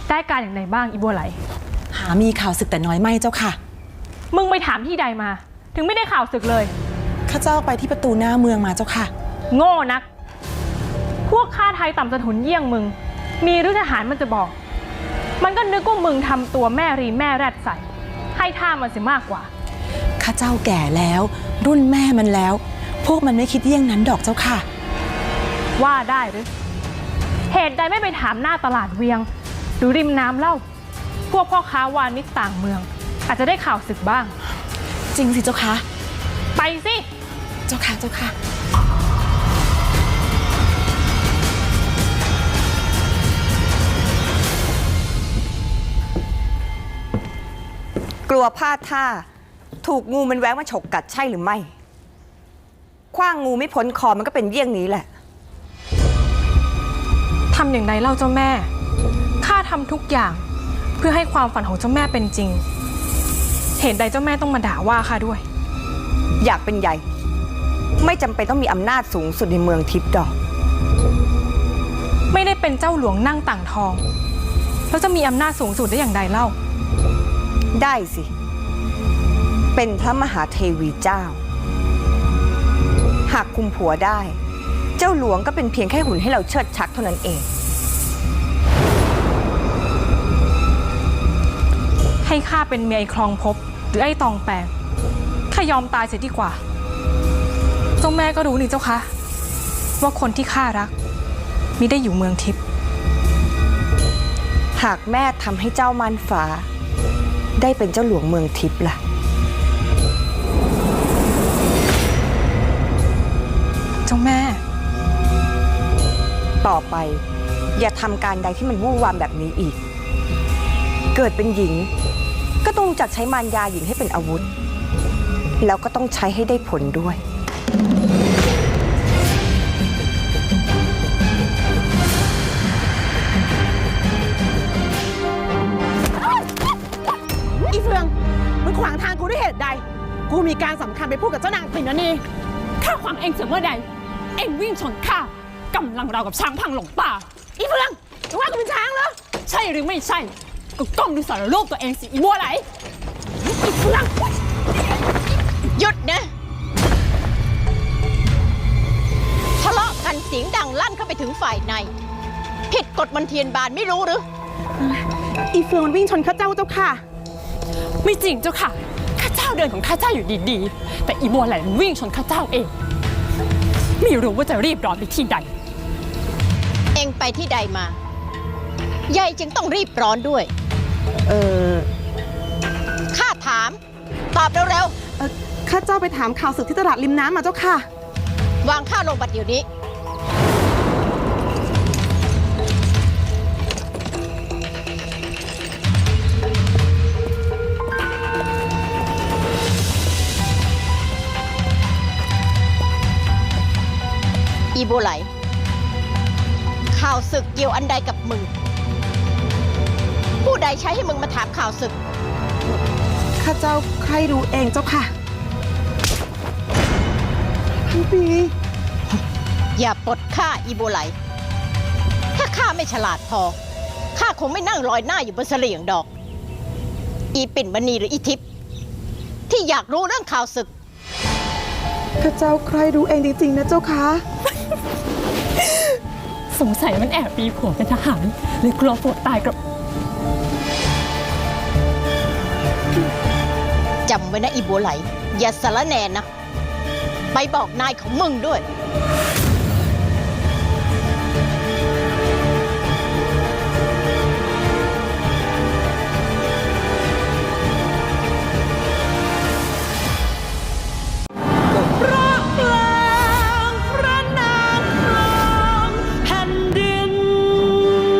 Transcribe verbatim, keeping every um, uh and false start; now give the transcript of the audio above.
ได้การอย่างไรบ้างอีบัวไหลหามีข่าวศึกแต่น้อยไม่เจ้าค่ะมึงไปถามที่ใดมาถึงไม่ได้ข่าวศึกเลยข้าเจ้าไปที่ประตูหน้าเมืองมาเจ้าค่ะโง่นักพวกข้าไทยต่ำสะทุนเยี่ยงมึงมีหรือทหารมันจะบอกมันก็นึกว่ามึงทำตัวแม่รีแม่แรดใส่ให้ท่ามันเสียมากกว่าข้าเจ้าแก่แล้วรุ่นแม่มันแล้วพวกมันไม่คิดเยี่ยงนั้นดอกเจ้าค่ะว่าได้หรือเหตุใดไม่ไปถามหน้าตลาดเวียงหรือริมน้ำเล่าพวกพ่อค้าวานิชต่างเมืองอาจจะได้ข่าวศึกบ้างจริงสิเจ้าค่ะไปสิเจ้าค่ะเจ้าค่ะกลัวพลาดท่าถูกงูมันแว้งมาฉกกัดใช่หรือไม่คว้างงูไม่พ้นคอมันก็เป็นเยี่ยงนี้แหละทำอย่างไรเล่าเจ้าแม่ข้าทำทุกอย่างเพื่อให้ความฝันของเจ้าแม่เป็นจริงเหตุใดเจ้าแม่ต้องมาด่าว่าข้าด้วยอยากเป็นใหญ่ไม่จำเป็นต้องมีอำนาจสูงสุดในเมืองทิพย์ดอกไม่ได้เป็นเจ้าหลวงนั่งต่างทองแล้วจะมีอำนาจสูงสุดได้อย่างไรเล่าได้สิเป็นพระมหาเทวีเจ้าหากคุมผัวได้เจ้าหลวงก็เป็นเพียงแค่หุ่นให้เราเชิดชักเท่านั้นเองให้ข้าเป็นเมียไอ้คลองภพหรือไอ้ตองแปงข้ายอมตายเสียดีกว่าเจ้าแม่ก็รู้นี่เจ้าคะว่าคนที่ข้ารักมิได้อยู่เมืองทิพย์หากแม่ทำให้เจ้าม่านฟ้าได้เป็นเจ้าหลวงเมืองทิพย์ล่ะเจ้าแม่ต่อไปอย่าทำการใดที่มันวู่วามแบบนี้อีกเกิดเป็นหญิงก็ต้องจัดใช้มารยาหญิงให้เป็นอาวุธแล้วก็ต้องใช้ให้ได้ผลด้วยอีเฟืองมึงขวางทางกูด้วยเหตุใดกูมีการสำคัญไปพูดกับเจ้านางปิ่นนี่ข้าขวางเองเสียเมื่อใดเองวิ่งชนข้ากำลังเรากับช้างพังหลงป่าอีเฟืองมึงว่ากูเป็นช้างเหรอใช่หรือไม่ใช่ก็ก้มดูสารรูปตัวเองสิอีบัวไหลอีเฟืองหยุดนะทะเลาะกันเสียงดังลั่นเข้าไปถึงฝ่ายในผิดกฎมนเทียนบานไม่รู้หรืออีเฟืองมันวิ่งชนข้าเจ้าเจ้าค่ะไม่จริงเจ้าค่ะข้าเจ้าเดินของข้าเจ้าอยู่ดีๆแต่อีบัวไหลมันวิ่งชนข้าเจ้าเองไม่รู้ว่าจะรีบร้อนไปที่ใดเองไปที่ใดมายายจึงต้องรีบร้อนด้วยเออข้าถามตอบเร็วๆข้าเจ้าไปถามข่าวศึกที่ตลาดริมน้ำมาเจ้าค่ะวางข้าลงบัดเดี๋ยวนี้อีโบไหลข่าวศึกเกี่ยวอันใดกับมึงผู้ใดใช้ให้มึงมาถามข่าวศึกข้าเจ้าใครรู้เองเจ้าค่ะพี่ปีอย่าปลดข้าอีโบไหลถ้าข้าไม่ฉลาดพอข้าคงไม่นั่งลอยหน้าอยู่บนเสลี่ยงดอกอีปิ่นมณีหรืออีทิพย์ที่อยากรู้เรื่องข่าวศึกข้าเจ้าใครรู้เองจริงๆนะเจ้าค่ะสงสัยมันแอบปีผัวเป็นทหารเลยกลัวผัวตายกับจำไว้นะอีบัวไหลอย่าสารแหน่นะไปบอกนายของมึงด้วย